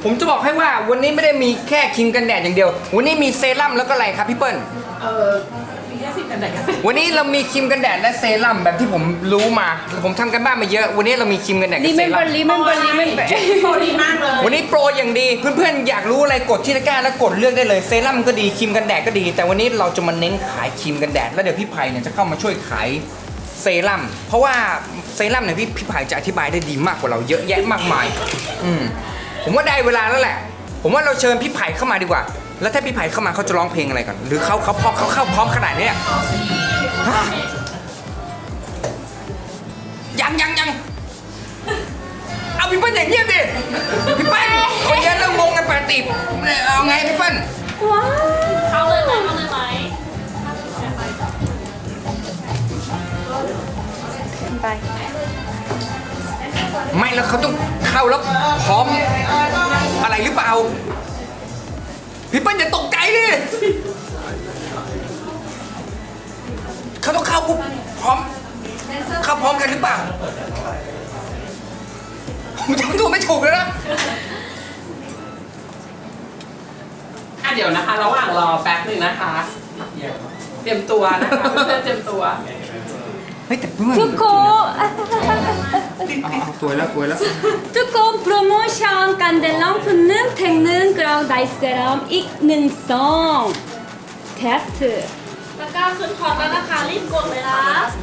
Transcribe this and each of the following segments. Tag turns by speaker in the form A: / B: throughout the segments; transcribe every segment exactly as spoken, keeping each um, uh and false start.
A: ผมจะบอกให้ว่าวันนี้ไม่ได้มีแค่ครีมกันแดดอย่างเดียว วันนี้มีเซรั่มแล้วก็อะไรครับพี่เปิ้ล
B: เออมีแค่สิบกันแดดกัน
A: วันนี้เรามีครีมกันแดดและเซรั่มแบบที่ผมรู้มา ผมทำกันบ้านมาเยอะ วันนี้เรามีครีมกันแดดกับเซรั่ม
C: 리멤버 리멤버 리멤버
B: โปรดีมากเลย
A: วันนี้โปรอย่างดีเพื่อนๆอยากรู้อะไรกดที่ตะกร้าแล้วกดเลือกได้เลยเซรั่มก็ดีครีมกันแดดก็ดี แต่วันนี้เราจะมาเน้นขายครีมกันแดดแล้วเดี๋ยวพี่ไผ่เนี่ยจะเข้ามาช่วยขายเซรั่มเพราะว่าเซรั่มเนี่ยพี่พี่ไผ่จะอธิบายได้ดีมากกว่าเราเยอะแยะมากมายอืมผมว่าได้เวลาแล้วแหละ ผมว่าเราเชิญพี่ไผ่เข้ามาดีกว่า แล้วถ้าพี่ไผ่เข้ามาเขาจะร้องเพลงอะไรก่อนหรือเขาเขาพร้อมเขาเข้าพร้อมขนาดนี้เนี่ยฮะยังยังยังเอาพี่เปิ้ลอย่างเงียบดิพี่เปิ้ลคนเยอะแล้วงงกันแปดติบเอาไงพี่เปิ้ล
D: เข้าเลยไหมเข้าเลยไหม
A: ไม่แล้วเขาต้องเข้าแล้วพร้อมอะไรหรือเปล่าพี่เปิ้ลอย่าตกใจดิเขาต้องเข้าปุ๊บพร้อมเข้าพร้อมกันหรือเปล่าผมทำตัวไม่ถูกเลยนะ
B: อ่ะเดี๋ยวนะคะ ระหว่างรอแป๊บหนึ่งนะคะ เตรียมตัวนะคะเพื่อนๆเตรียมตัว
A: เฮ้ยแต่เพื่อน
C: 두코
A: เอาเอาสวยแล้วสวยแล้ว
C: 두코 프로모션 간델랑 푸는 택는 그랑 나이스람 익는성 테스트
D: ตะกร้าขึ้นคอร์สแล้วนะคะรีบกดเลยนะ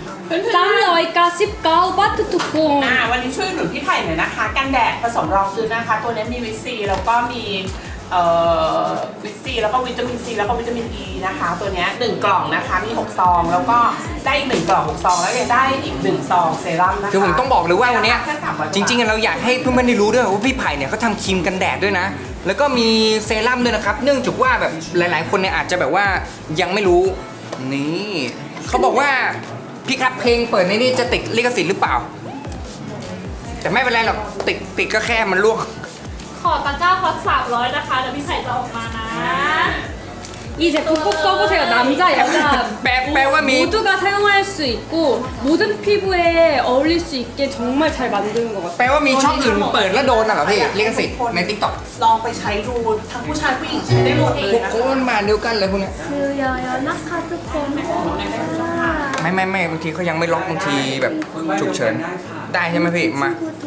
C: 삼백십구 바트 두코
B: อ่าวันนี้ช่วยหนุนพี่ไผ่หน่อยนะคะ กันแดดผสมรองพื้นนะคะ ตัวนี้มีวิตซีแล้วก็มีเอ่อวิตซีแล้วก็วิตามินซีแล้วก็วิตามินอีนะคะ ตัวเนี้ยหนึ่งกล่องนะคะมีหกซองแล้วก็ได้อีกหนึ่งกล่องหกซองแล้วยังได้อีกหนึ่งซองเซรั่มนะคะ
A: คือผมต้องบอกเลยว่าวันเนี้ย
B: แค่สามอย
A: จริงๆเราอยากให้เพื่อนๆได้รู้ด้วยว่าพี่ไผ่เนี่ยเขาทำครีมกันแดดด้วยนะ แล้วก็มีเซรั่มด้วยนะครับ เนื่องจากว่าแบบหลายๆ คนเนี่ยอาจจะแบบว่ายังไม่รู้ นี่เขาบอกว่าพี่ครับเพลงเปิดในนี้จะติดลิขสิทธิ์หรือเปล่า แต่ไม่เป็นไรหรอกติดติดก็แค่มันลวก
D: ขอตะกร้าคอร์สสามร้อยนะคะเดี๋ยวพี่ไผ่จะออกมานะ
C: 이 제품 꼭 써보세요. 남자, 여자
A: 빼- 빼와미.
C: 모두가 사용할 수 있고 모든 피부에 어울릴 수 있게 정말 잘 만드는 것 같아요.
A: แปลว่ามีช่องอื่นเปิดแล้วโดนน่ะเหรอพี่ลิขสิทธิ์ในทิกตอก
B: ลองไปใช้ดูทั้งผู้ชายผู้หญิงใช้ได้หมดเลย
A: พวก
B: นะ
A: โค้นมาเดียวกันเลยพวกเนี้ย
C: 수여여 나카드콘
A: ไม่ไม่ไม่บางทีเขายังไม่ล็อกบางทีแบบฉุกเฉินได้ใช่ไหมพี่มา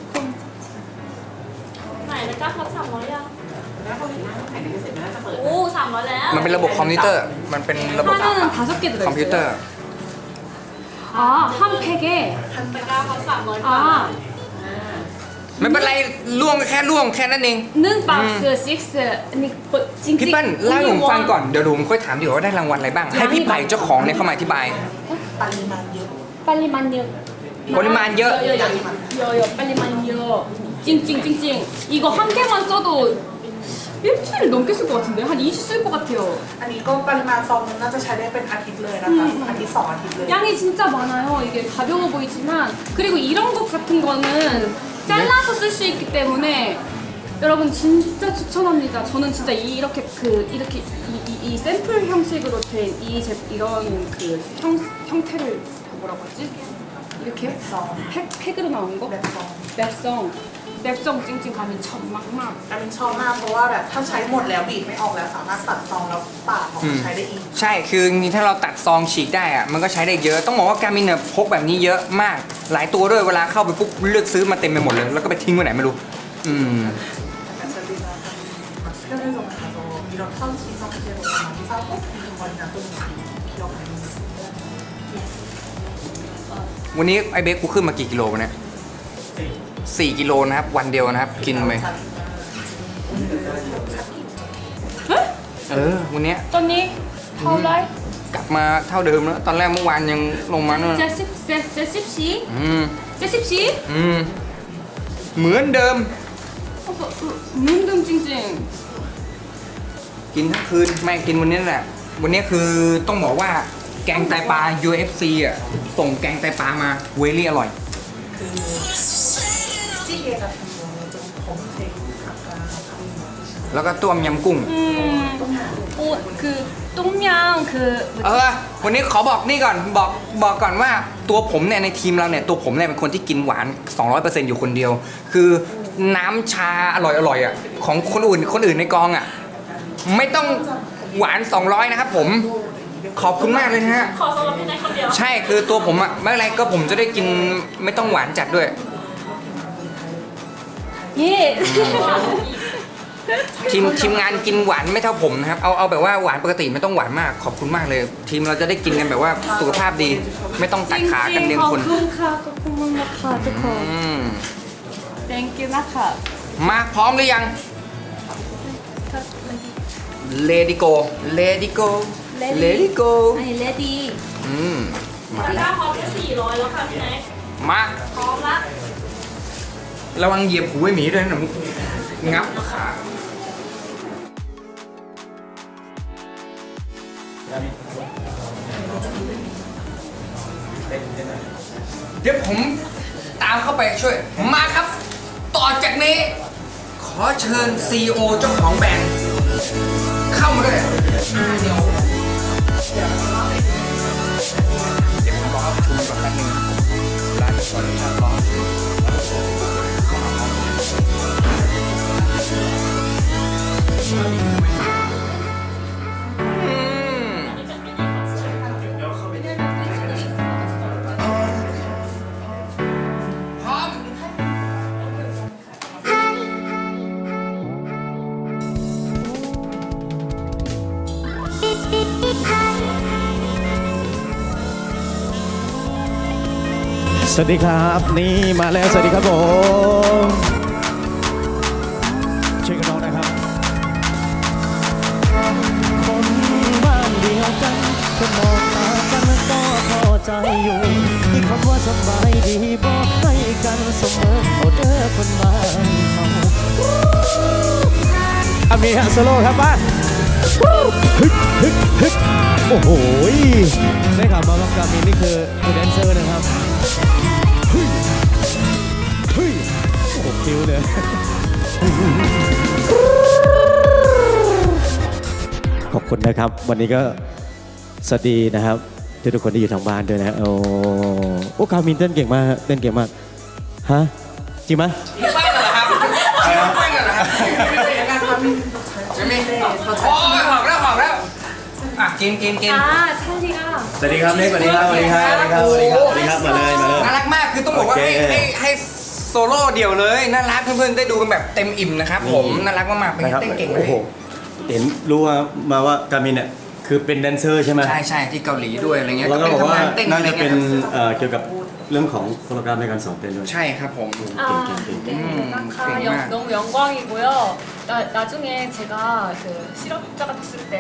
D: ไหนตะกร้าคอร์สสามร้อยยัง
B: แล้วคนอื่นขายในเกษตรไม่น่าจะเปิด
D: โอ้สามร้อยแล้ว
A: มันเป็นระบบคอมพิวเตอร์ มันเป็นระบบ
C: 하나는 다섯 개
A: คอมพิวเตอ
C: 들어있어요.
A: ร์
C: 아, 한 팩에
D: ตะกร้าคอร์สสามร้อยบาท
C: 아,
A: ไม่เป็นไรล่วงแค่ล่วงแค่นั้นเอง
C: 는 박스 식스 아니 뭐
A: พี่
C: 찡찡
A: เปิ้ลเล่าให้ผมฟังก่อนเดี๋ยวผมค่อยถามดีกว่าได้รางวัลอะไรบ้าง ให้พี่ไผ่เจ้าของเนี่ยเข้ามาอธิบาย
C: 빨리만요.
A: ปริมาณเยอะ
C: 여여 빨리만요. 찡찡 찡찡. 이거 한 개만 써도 일주일 넘게 쓸 것 같은데 한 이주 쓸 것 같아요.
B: อันนี้ก็ปริมาณซองนึงน่าจะใช้ได้เป็นอาทิตย์เลยนะคะอาทิตย์สองอาทิตย์เลย
C: 양이 진짜 많아요. 이게 가벼워 보이지만 그리고 이런 것 같은 거는 잘라서 쓸 수 있기 때문에 여러분 진짜 추천합니다. 저는 진짜 이- 이렇게 그 이렇게 이, 이, 이 샘플 형식으로 된 이 이런 그 형, 형태를 뭐라고 하지? 이렇게 팩, 팩으로 나온 거?
B: แบบซอง
C: 맵성 맵성 찡찡 가면 천막막
B: แต่เป็นชอบมากเพราะว่าแบบถ้าใช้หมดแล้วบีบไม่ออกแล้วสามารถตัดซองแล้วปาดออกมาใช้ได้อีก
A: ใช่คือจริงๆถ้าเราตัดซองฉีกได้อะมันก็ใช้ได้เยอะ ต้องบอกว่าการมินเนี่ยพกแบบนี้เยอะมาก หลายตัวด้วยเวลาเข้าไปปุ๊บเลือกซื้อมาเต็มไปหมดเลย แล้วก็ไปทิ้งไว้ไหนไม่รู้ อืม
B: 편의점 가서 이런 파우치 상태로 많이 사고 이거나 또는 기억하는
A: วันนี้ไอเบคกูขึ้นมากี่กิโลวะเนี่ยสี่กิโลนะครับ วันเดียวนะครับ กินไปเออ วันเนี้ย
C: 언니 하울라이
A: กลับมาเท่าเดิมแล้ว ตอนแรกเมื่อวานยังลงมาเนี่ย
C: 제십 제십시
A: อืม
C: 제십시
A: อืม เหมือนเดิม
C: 문등 찡찡
A: กินทั้งคืน ไม่กินวันนี้แหละ วันนี้คือต้องบอกว่าแกงไตปลา ยู เอฟ ซี อ่ะ ส่งแกงไตปลามาเวลี่อร่อย
B: 그 찌개 같은 경우는 좀 검은색 아까 하는
A: แล้วก็ต้มยำกุ้ง
C: 음, 오, 그 똥냥 그
A: เออ วันนี้ขอบอกนี่ก่อน บอกบอกก่อนว่าตัวผมเนี่ยในทีมเราเนี่ยตัวผมเนี่ยเป็นคนที่กินหวาน สองร้อยเปอร์เซ็นต์ อยู่คนเดียว คือน้ำชาอร่อยอร่อยอ่ะของคนอื่นคนอื่นในกองอ่ะไม่ต้องหวานสองร้อยนะครับผมขอบคุณมากเลยนะฮะ
D: ขอสำหรับพี่แน็กคนเดียว
A: ใช่คือตัวผมอะไม่เป็นไรก็ผมจะได้กินไม่ต้องหวานจัดด้วย
C: 예.
A: ทีมทีมงานกินหวานไม่เท่าผมนะครับเอาเอาแบบว่าหวานปกติไม่ต้องหวานมากขอบคุณมากเลย ทีมเราจะได้กินกันแบบว่าสุขภาพดี ไม่ต้องตัดขากันเรียงคน
C: 찡찡 거쿤카 거쿤카 두코.
A: อืม
C: Thank you 나카.
A: มาพร้อมหรือยัง Lady Go Lady Go Lady Go
C: 아니 레디.
A: อืมมา
D: ตะก
A: แล้
D: ร้าว พร้อมแค่สี่ร้อยแล้วค่ะพี่แน็ก
A: มา
D: พร้อมละ
A: ระวังเหยียบหูไอ้หมีด้วยนะหนูงับขา เดี๋ยวผมตามเข้าไปช่วย มาครับ ต่อจากนี้ ขอเชิญ ซี อี โอ เจ้าของแบรนด์เข้ามาด้วยอ่าเดี๋ยวเดี๋ยวผมรอประชุมก่อนแป๊บนึงเวลาจะขออนุญาตรอเข้ามาพร้อมอืม พร้อม
E: สวัสดีครับนี่มาแล้วสวัสดีครับผมช่วยกันร้องนะครับคนบ้านเดียวกันคนมองตากันก็พอใจอยู่ที่คำว่าสบายดีบอกให้กันเสมอเอาเด้อคนบ้านเขาอามีฮะโซโล่ครับป้าฮึกฮึกฮึกโอ้โหได้ข่าวมาว่ากามินนี่คือคือแดนเซอร์นะครับเฮ้ยเฮ้ยโอ้โหคิวเลยขอบคุณนะครับ วันนี้ก็สวัสดีนะครับทุกทุกคนที่อยู่ทางบ้านด้วยนะโอ้โอ้กามินเต้นเก่งมากฮะเต้นเก่งมากฮะจริงไหม
A: พี่ป้ายกันเหรอครับพี่ป้ายกันเหรอครับจะมีโอ้ยหอมแล้วหอมแล้วอ่ะกินกินกิน
C: 아 찰리가.
E: สวัสดีครับเล็กสวัสดีครับสวัสดีครับสวัสดีครับสวัสดีครับสวัสดีครับมาเลยมาเลย
A: น่ารักมากคือต้องบอกว่า
E: โอ
A: ให้
E: เค
A: ให้ให้โซโล่เดี่ยวเลยน่ารักเพื่อนๆได้ดูกันแบบเต็มอิ่มนะครับผมน่ารักมากๆเป็น
E: นะครับ
A: เต้นเก่งเล
E: โอ้
A: ย
E: โหเห็นรู้ว่ามาว่ากามินเนี่ยคือเป็นแดนเซอร์ใช่ไหม
A: ใช่ใช่ที่เกาหลีด้วยอะไรเงี้ย
E: แล้วก็บอกว่า
A: ทำงเต้น
E: น่า
A: อะไร
E: จะเป็น
A: เงี้ย
E: เอ่อเกี่ยวกับเรื่องของโปรแกรมในการสอนเต้นด้วย
A: ใช่ครับผม
C: 아, 네, 나카 영, 너무 영광이고요. 나, 나중에 제가 그 실업자가 됐을 때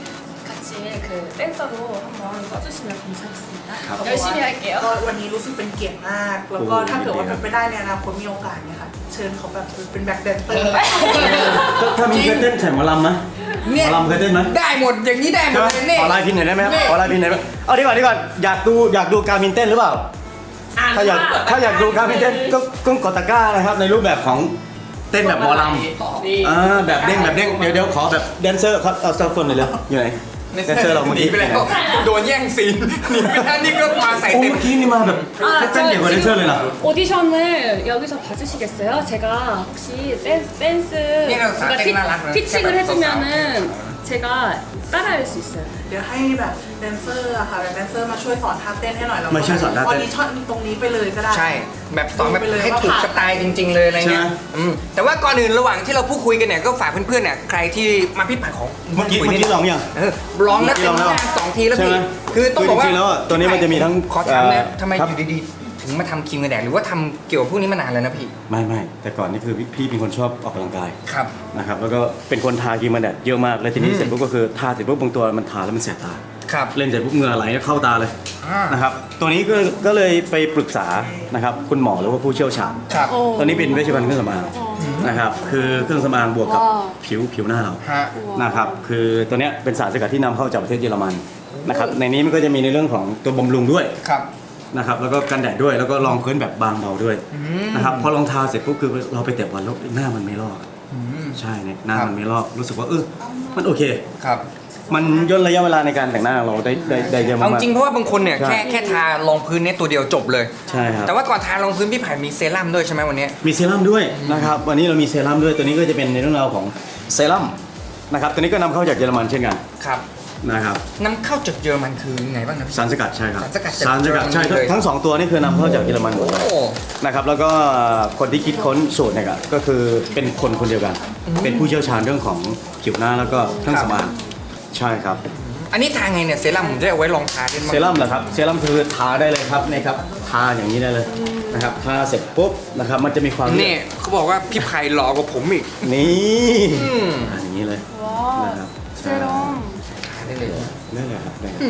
C: 같이 그 댄서로 한번 써주시면 감사하겠습니다. 열심히 할게요.
F: ก็วันนี้รู้สึกเป็นเกียรติมาก แล้วก็ถ้าเกิดว่าเป็นไปได้ในอนาคตมีโอกาสเนี่ยค่ะ เชิญเขาแบบเป็นแบ็คแดนเซอร์
E: ถ้ามีเคยเต้นแข่งหมอลำไหมห
A: เนี่ย
E: มอลำเคยเต้นไหม
A: ได้หมดอย่างนี้ได้หม
E: ใช่
A: ด
E: ไหม
A: เลยนี่
E: ขอไลน์พินหน่อยได้ไหมครับ
A: นี่
E: ขอไลน์พินหน่อยได้ไหมเอาดีกว่าดีกว่าอยากดูอยากดูการมินเต้นหรือเปล่า
B: อ่าน
E: ถ้าอยาก
B: ว่
E: ถ้าอยากดูการมินเต้นก็ก็กดตะกร้านะครับในรูปแบบของเต้นแบบหมอล
B: นี่
E: ำอ่าแบบเด้งแบบเด้งเดี๋ยวเดี๋ยวขอแบบแดนเซอร์ครับเอาสักคนหน่อยเลยอยู่ไหนแดนเซอร์เราเมื่อ
A: หนี
E: กี้
A: ไปแล้วโดนแย่งซีนหนีไปแล้วนี่ก็มาใส่
E: โอ้
A: เต็ม
E: เมื่อกี้นี่มาแบบเต้นเก่งกว่าแดนเซอร์เลยนะ
C: 오디션을 여기서 봐주시겠어요? 제가 혹시 댄스, 댄스
A: 네, 나
C: 누가
A: 땡 날라 그래.
C: 피칭을
A: 제발
C: 해주면은 제가 따라할 수 있어요.
F: เดี๋ยวให้แบบแดนเซอร์อะค่ะแบบแดนเซอร์มาช่วยสอนท่าเต้นให้หน่อยแล้วก็
E: มาช่วยสอนท่าเต้น
F: ออดิชั่นตรงนี้ไปเลยก็ได้
A: ใช่แบบสอนแบบ
F: ไปเลย
A: ให้
F: ว่า
A: ถูก
F: ผ่าน
A: สไตล์จริง ๆ เลยอะไรเงี้ย
E: ใช่ไหม
A: อืมแต่ว่าก่อนอื่นระหว่างที่เราพูดคุยกันเนี่ยก็ฝากเพื่อนๆเนี่ยใครที่มาพี่ผัดของ
E: เมื่อกี้
A: คุย
E: เมื่อ
A: นิด
E: กี้ลองยัง
A: เออร้องแล้ว
E: เมื่อกี้
A: เต็ม
E: ลองแล้ว
A: หน้าสองทีแล้ว
E: ใช่
A: พี่
E: ไหม
A: คือต้องบอกว่า
E: คือจริงๆแล้วอ่ะตัวนี้มันจะมีทั้ง
A: ขอถามนะ
E: เอ่อ
A: ทำไม
E: ครับ
A: อยู่ดีๆถึงมาทำครีมกันแดดหรือว่าทำเกี่ยวกับพวกนี้มานานแล้วนะพี่
E: ไม่ไม่แต่ก่อนนี่คือพี่เป็นคนชอบออกกำลังกาย
A: ครับ
E: นะครับแล้วก็เป็นคนทาครีมกันแดดเยอะมากแล้วทีนี้
A: อืม
E: เสร็จปุ๊บก็คือทาเสร็จปุ๊บบางตัวมันทาแล้วมันแสบตา
A: ครับ
E: เล่นเสร็จปุ๊บเหงื่อไหลเข้าตาเลย
A: อ่าน
E: นะครับตัวนี้ก็ก็เลยไปปรึกษานะครับคุณหมอหรือว่าผู้เชี่ยวชาญ
A: ครับ
E: ตอนนี้เป็นเวชภัณฑ์เครื่องสำอางนะครับคือเครื่องสำอางบวกกับ
C: ว้าว
E: ผิวผิวหน้าเรา
A: ฮะ
E: นะครับคือตัวเนี้ยเป็นสารสกัดที่นำเข้าจากประเทศเยอรมันนะครับในนี้มันก็จะมีในเรื่องของตัวบำรุงด้วย
A: ครับ
E: นะครับแล้วก็กันแดดด้วยแล้วก็รองพื้นแบบบางเบาด้วย
A: ม
E: นะครับพอรองเท้าเสร็จปุ๊บคือเราไปเตะบอลแล้วหน้ามันไม่ลอก
A: อืม
E: ใช่เนี่ยหน้า
A: ครับ
E: มันไม่ลอกรู้สึกว่าเออมันโอเค
A: ครับ
E: มันย่นระยะเวลาในการแต่งหน้าของเราได้ได้ได้เยอะ
A: เอา
E: มาก
A: จริงเพราะว่าบางคนเนี่ย
E: ใช่
A: แค่แค่ทารองพื้นเนี่ยตัวเดียวจบเลย
E: ใช่ครับ
A: แต่ว่าก่อนทารองพื้นพี่ไผ่มีเซรั่มด้วยใช่ไหมวันนี้
E: มีเซรั่มด้วยนะครับวันนี้เรามีเซรั่มด้วยตัวนี้ก็จะเป็นในเรื่องราวของเซรั่มนะครับตัวนี้ก็นำเข้าจากเยอรมันเช่นกัน
A: ครับ
E: นะครับ
A: นำเข้าจากเยอรมันคือไงบ้างนะพี่
E: สารสกัดใช่ครับ
A: สารสกัดจาก
E: สารสกัดใช่
A: เยอรมันเลย
E: ทั้งสองตัวนี่คือนำเข้าจากเยอรมันหมดเลย
A: โอ้
E: นะครับแล้วก็คนที่คิดค้นสูตรเนี่ยก็คือเป็นคนคนเดียวกัน เป็นผู้เชี่ยวชาญเรื่องของผิวหน้าแล้วก็เครื่องสำอางใช่ครับ
A: อันนี้ทาไงเนี่ยเซรั่มผมจะเอาไว้ลองทาด้วยมั้ง
E: เซรั่มเหรอครับเซรั่มคือทาได้เลยครับนี่ครับทาอย่างนี้ได้เลยนะครับทาเสร็จปุ๊บนะครับมันจะมีความ
A: เนี่ยเขาบอกว่าพี่ไผ่หล่อกว่าผมอีก
E: นี่
A: อืม
E: อ่าอย่างนี้เลย
C: 와
E: นะครับ
C: 세럼
A: ทาได้เลย
E: ได้เลยครับได้เลย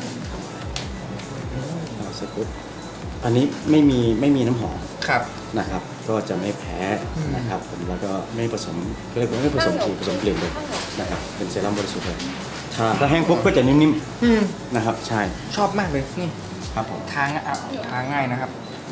E: เอาเสร็จปุ๊บอันนี้ไม่มีไม่มีน้ำหอม
A: ครับ
E: นะครับ ก็จะไม่แพ้นะครับผมแล้วก็ไม่ผสมก็เรียกว่าไม่ผสมสีผสมกลิ่นเลยนะครับเป็นเซรั่มบริสุทธิ์เลยทาถ้าแห้งปุ๊บก็จะนิ่ม
A: อืม
E: ๆนะครับใช่
A: ชอบมากเลยนี่
E: ครับผม
A: ทาง่ายอ่ะทาง่ายนะครับ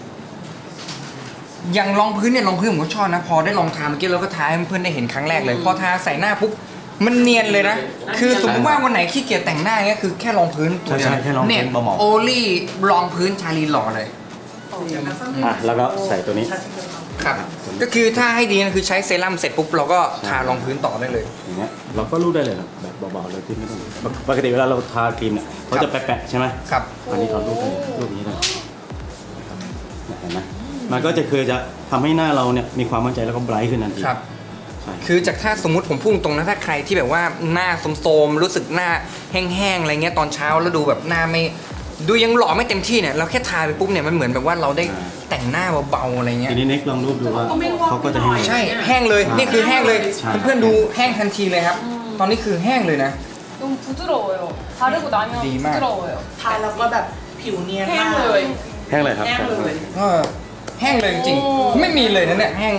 A: อย่างรองพื้นเนี่ยรองพื้นผมก็ชอบนะ พอได้ลองทาเมื่อกี้เราก็ทาให้เพื่อนๆได้เห็นครั้งแรกเลย พอทาใส่หน้าปุ๊บมันเนียนเลยนะ คือสมมติว่าวันไหนขี้เกียจแต่งหน้าเงี้ยคือแค่รองพื้นตัวเดียว
E: ใช่ใช่แค่รองพื้น
A: เนี่ย
E: เบาหมอก
A: โอลี่รองพื้นชาลีหล่อเลย
E: อ่ะแล้วก็ใส่ตัวนี้
A: ครับ ก็คือถ้าให้ดีนะคือใช้เซรั่มเสร็จปุ๊บเราก็ทารองพื้นต่อได้เลย
E: อย่างเงี้ยเราก็รูดได้เลยครับแบบเบาๆเลยที่ไม่ต้องปกติเวลาเราทาครีมเนี่ยเขาจะแปะๆใช่ไหม
A: ครับ
E: อันนี้เขารูดได้เลยรูดอย่างนี้ได้เห็นไหมมันก็จะคือจะทำให้หน้าเราเนี่ยมีความมั่นใจแล้วก็ไบรท์ขึ้นทันที
A: ครับ
E: ใช่
A: คือจากถ้าสมมุติผมพูดตรงนะถ้าใครที่แบบว่าหน้าโทรมๆรู้สึกหน้าแห้งๆอะไรเงี้ยตอนเช้าแล้วดูแบบหน้าไม่ดูยังหล่อไม่เต็มที่เนี่ยเราแค่ทาไปปุ๊บเนี่ยมันเหมือนแบบว่าเราได้แต่งหน้าเบาๆอะไรเงี้ย
E: ทีนี้เน็กลองรูปดูว่าเขาก็จะให้
A: ใช่แห้งเลยนี่คือแห้งเลย
E: ใช่
A: เพื่อนๆดูแห้งทันทีเลยครับ ตอนนี้คือแห้งเลยนะ
C: 너무 부드러워요 바르고 나면
A: 네,
C: 부드러워요
F: ทาแล้วก็แบบผิวเนียน
B: แห้
F: มางก
B: เลย
E: แห้งเลยครับ
B: แห้งเลย
A: ก็แห้งเลยจริงๆไม่มีเลยนะเนี่ยแห้ง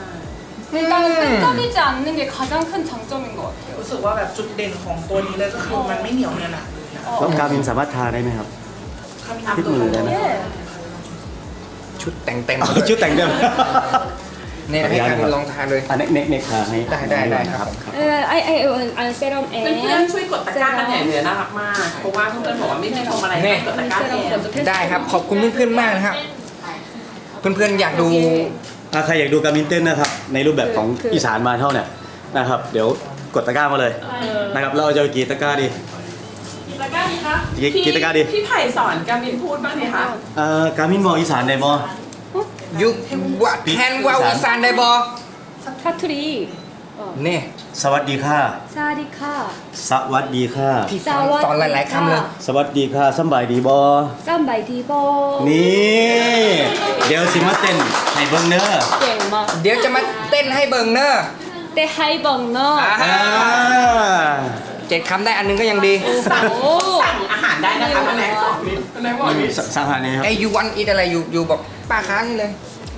C: 일단은 끈적이지 않는 게 가장 큰 장점인 것 같아요
F: รู้สึกว่าแบบจุดเด่นของตัวนี้เลยก็คือมันไม่เหนียวเนียนหนะเลยนะ
E: แล้วการมินสามารถทาได้ไหมครับ
F: ถ้ามี
E: ที่มือได้ไหม
C: 예.
A: ชุดแต่งเต็ม
E: อ๋อชุดแต่งเดิม
A: เนี่ยให้การลองทาเลย
E: อันเน็กเน็กเน็กทาให้
A: ได้ได้ได้ครับ
E: ครับ
C: 에, 아이, 아이, 아이, 세럼
B: เพื่อนๆช่วยกดตะกร้ากันใหญ่เลยน่ารักมาก เพราะว่าเพื่อนๆบอกว่าไม่มีทำอะไรให้กดตะกร้าแทน
A: ได้ครับขอบคุณเพื่อนๆมากนะครับ เพื่อนๆอยากดู
E: ถ้าใครอยากดูการมินเต้นนะครับในรูปแบบของอีสานมาเท่าเนี่ยนะครับเดี๋ยวกดตะกร้ามาเลยนะครับเราจะเอากี่ตะกร้าดี
B: ตะกร้าดีคะ
E: กี่กี่ตะกร้าดี
B: พี่ไผ่สอนการมินพูดบ้างเนี่ยคะ
E: เอ่อการมินบอกอีสานได้บ่
A: ยุว่าแทนว่าอีสานได้บอ
C: 사투리
A: เนี่ย
E: สวัสดีค่ะ
C: 사리카
E: สวัสดีค่ะ
A: พี่สอนสอนหลายๆคำเลย
E: สวัสดีค่ะสำบายดีบ่
C: 쌈바이 디버
E: นี่เดี๋ยวสิมาเต้นให้เบิ่งเด้อ
C: 땡마
A: เดี๋ยวจะมาเต้นให้เบิงเนอร์
C: 때 하이벙너
A: อ่า
E: อ่า
A: เจ็ดคำได้อันนึงก็ยังดี
B: สั่ง
C: โอ้
B: สั่งอาหารได้นะคะน้องแน็กสอนน้องแน็กบอกดิ
E: สสังหารนี้ครับ
A: ไอ้ยูวันอีทอะไรอยู่อยู่บอกป้าค้านี่เลย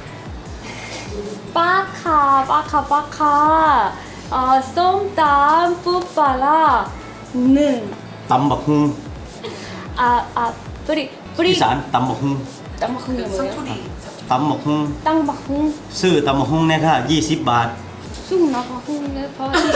C: 빠카 빠카 빠카 어, 쏨땀 뿌빠라 는
E: ตำบักฮุง
C: 아, 아, 뿌리
E: อี
C: 뿌리
E: สานตำบักฮุง
C: 땅바쿵이
F: สัก
C: 뭐예요?
F: ทุดี
E: ตำบักฮุง
C: 땅바쿵
E: ซื้อตำบักฮุงเนี่ยค่ะยี่สิบบาท
C: 쑥 나바쿵 내 바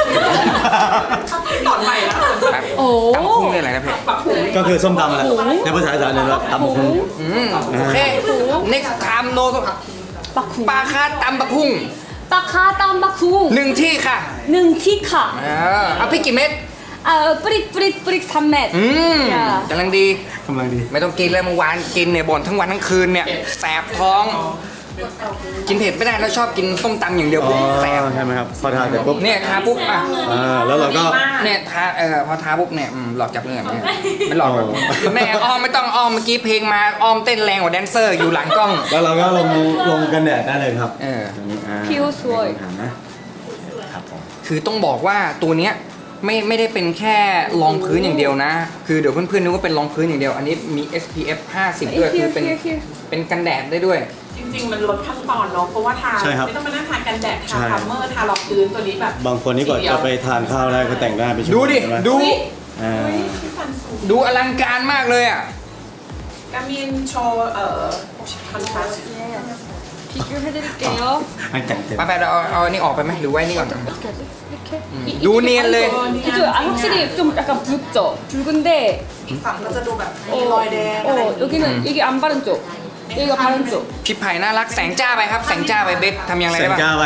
B: สอนใหม่แล้ว
A: ครับ
C: โอ้
A: ตำคุ้งเลยอะไรนะเพจ
B: ปรับปรุง
E: ก็คือส้มตำแหละในภาษาอีสานเลยว่าตำบักฮุง
A: อืมโอเค next time no
C: 바쿵
A: ปลาคาตำบักพุ่ง
C: 빠카 땅바쿵
A: หนึ่งที่ค่ะ
C: 능티카
A: เออเอาพี่กี่เม็ด
C: 아, 뿌릭 뿌릭 뿌릭 삼맷
A: อืม
C: อย่า
A: กำลังดี
E: กำลังดี
A: ไม่ต้องกินเลยเมื่อวานกินเนี่ยบ่นทั้งวันทั้งคืนเนี่ยแสบท้อง กินเผ็ดไม่ได้แล้วชอบกินส้มตำอย่างเดียว
E: อ๋อ
A: แสบ
E: ใช่ไหมครับพอทานเสร็จปุ๊บ
A: เนี่ยทาปุ๊บอ่ะ
E: อ่าแล้วเราก็
A: เนี่ยทาเออพอทาปุ๊บเนี่ยอืมหลอกจับเงื่อนเนี่ยไม่หลอกหรอก
E: อ๋อ
A: แม่อ้อมไม่ต้องอ้อมเมื่อกี้เพลงมาอ้อมเต้นแรงกว่าแดนเซอร์อยู่หลังกล้อง
E: แล้วเราก็ลงลงกันแดดได้เลยครับ
A: เออ
E: ตรงนี้อ่า
C: ผิวสวย
E: ถามนะครับผม
A: คือต้องบอกว่าตัวเนี้ยไม่ไม่ได้เป็นแค่รองพื้นอย่างเดียวนะ คือเดี๋ยวเพื่อนๆนึกว่าเป็นรองพื้นอย่างเดียว อันนี้มี เอส พี เอฟ ห้าสิบด้วยคือเป็น
C: here here
A: เป็นกันแดดได้ด้วย
B: จริงๆ มันลดขั้นตอนเนาะเพราะว่าทา
E: ใช่ครับ
B: ไม่ต้องมานั่งทากันแดด
E: ใช่
B: ทาพัมเมอร์ทารองพื้นตัวนี้แบบ
E: บางคนนี่ก่อนจะไปทานข้าวได้ก็แต่งหน้าไปชั่ว
A: ดู
E: โมง
A: ดิ
E: ใช่ไหม
A: ดู
E: อ่า
B: อุ้ยพี่ฟันสูง
A: ดูอลังการมากเลยอ่ะ
B: กามินโชว์เอ่อคอนทราสต์
A: พ
C: 비교해드릴게요.
E: อันจัดเต็ม
A: ไปไปเราเอาเอาอันนี้ออกไปไหมหรือไว้นี่ก่อน
C: 어떻게 하지? 이렇게? 이,
A: 음. 노니엘레.
C: 이쪽 아, 확실히 좀 약간 붉죠? 붉은데
F: อีกฝั่งก็จะดูแบบมีรอยแดงอะไร
C: 어,
F: อย่างเงี้ย
C: 여기는 이게 안 바른 쪽, 여기가 바른 쪽.
A: พี่ไผ่น่ารักแสงจ้าไปครับแสงจ้าไปเบสทำยังไง
E: แส
A: ได้
E: ง
A: บ้าง
E: จ้าไป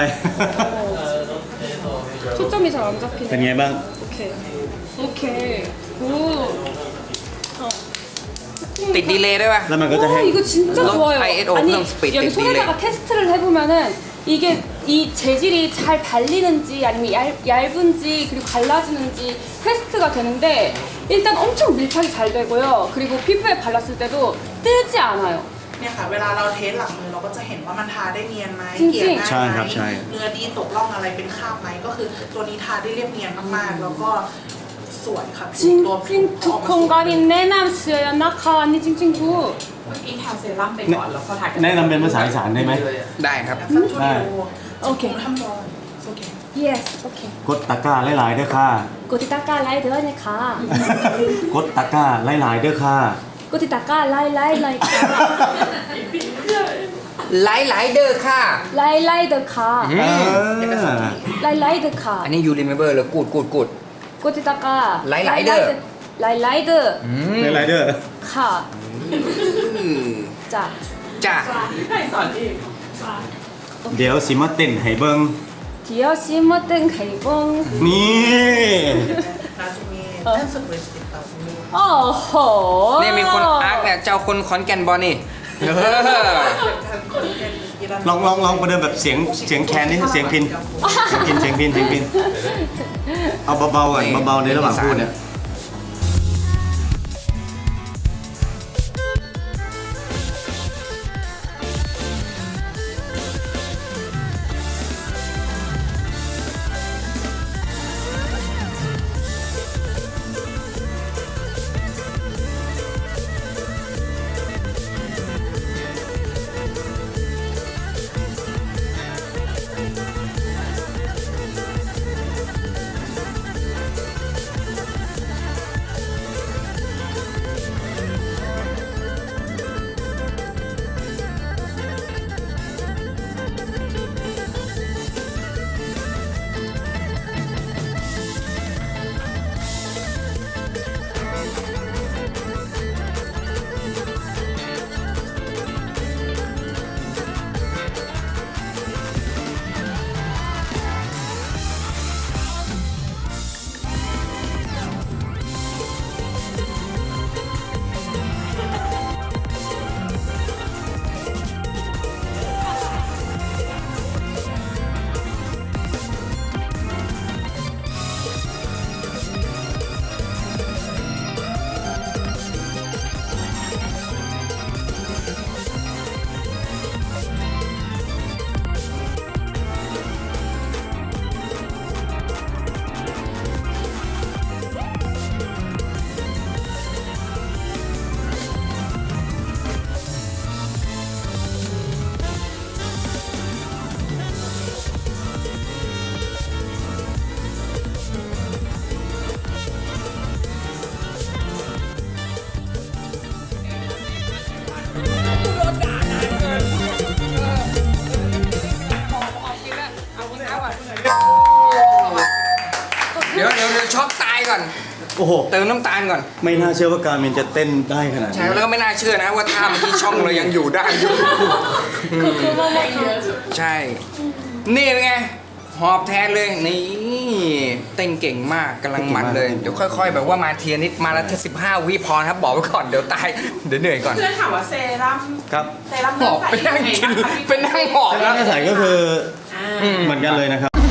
C: 초점이 잘 안
E: เป็น
C: 잡히네.
E: ไงบ้าง
C: 오케이. 오케이. 오.
A: ติดดีเลย์ด้วยป่ะ
E: แล้วมันก็จะ
C: 와
E: แห้ง
C: 이거 진짜
A: 너
C: 좋아요.
A: 아이에도
C: 아니
A: 그냥 스피드
C: 여기
A: 딜레이.
C: 손에다가 테스트를 해보면은 이게 이 재질이 잘 발리는지 아니면 얇, 얇은지 그리고 갈라지는지 테스트가 되는데 일단 엄청 밀착이 잘 되고요. 그리고 피부에 발랐을 때도 뜨지 않아요.
F: เนี่ยค่ะ เวลาเราเทสหลังมือเราก็จะเห็นว่ามันทาได้เนียนไหม
C: จริงๆ
F: เกลี่ยง่าย
E: ใช่
F: ไหม
E: ครับใช่
F: เนื้อดีตกร่องอะไรเป็นคราบไหมก็คือตัวนี้ทาได้เรียบเนียนมากๆ แล้วก็สวยค่ะตัวผิว
C: 찡찡
F: ออกมาสวย
C: 두콩가리 내남스야 나카 언니 찡찡구
B: เมื่อกี้ทาเซรั่มไปก่อนแล้วพอทากัน
E: แนะนำเป็นภาษาอีสานได้ไหม
A: ได้ครับ
F: สักชั่ว
E: ได้
F: โมง
C: โอเค
F: ทำบอลโอเค
C: Yes, okay.
E: กดตะกร้าหลายๆเด้อค่ะ
C: 꼬티타까 라이 드라니까
E: กดตะกร้าหลายๆเด้อค่ะ
C: 꼬티타까 라이 라이 라이
A: ไลท์ไลท์เดอร์ค่ะ
C: 라이 라이 드카
A: อื
E: เอ
A: ม
E: อ
C: 라이 라이
A: อัน
C: 드카
A: นี้ยูริเมเบอร์เลยกูดกูดกูด
C: 꼬티타까
A: 라이 라이 드.
C: 라이 라이
A: อืม
E: หลายๆเด้อ
C: 드카
A: อืม
C: 자
A: จ้า
B: พี่ไผ่สอนอีก
E: เดี๋ยวสิมาเต้นให้เบิ่ง
C: 디어 시모땡 가이봉
E: นี่
F: นาจะมีเต้นสเปรย์ติดตามมือ
C: 어허
A: เนี่ยมีคนอาร์คเนี่ยเจ้าคนขอนแก่นบอลนี่เออ
E: ลองลองลองประเดิมแบบเสียงเสียงแคนนี่เสียงพินเสียงพินเสียงพินเสียงพินเอาเบาๆก่อนเบาๆในระหว่างพูดเนี่ย
A: เดี๋ยวเดี๋ยวเดี๋ยวช็อกตายก่อน
E: โอ้โห
A: เติมน้ำตาลก่อน
E: ไม่น่าเชื่อว่าการมินจะเต้นได้ขนาด
A: ใช่
E: นี้
A: แล้วก็ไม่น่าเชื่อนะว่าท่าเมื่อกี้ช่องเรายังอยู่ได้อยู่ ใช่ นี่เป็นไง หอบแทนเลย นี่เต้นเก่งมากกำลังมันเลย เดี๋ยวค่อยๆ แบบว่ามาเทียนิดมาละแค่สิบห้าวิพอนะครับ บอกไว้ก่อนเดี๋ยวตาย เดี๋ยวเหนื่อยก่อน
B: เพื่อนถามว่าเซรั่ม
E: ครับ
B: เซรั่ม
A: หอบไปนั่งกินไปนั่งหอบ
E: ถ้า
A: แล้ว
E: หน้าใสก็คือ
B: อ่า
E: เหมือนกันเลยนะครับ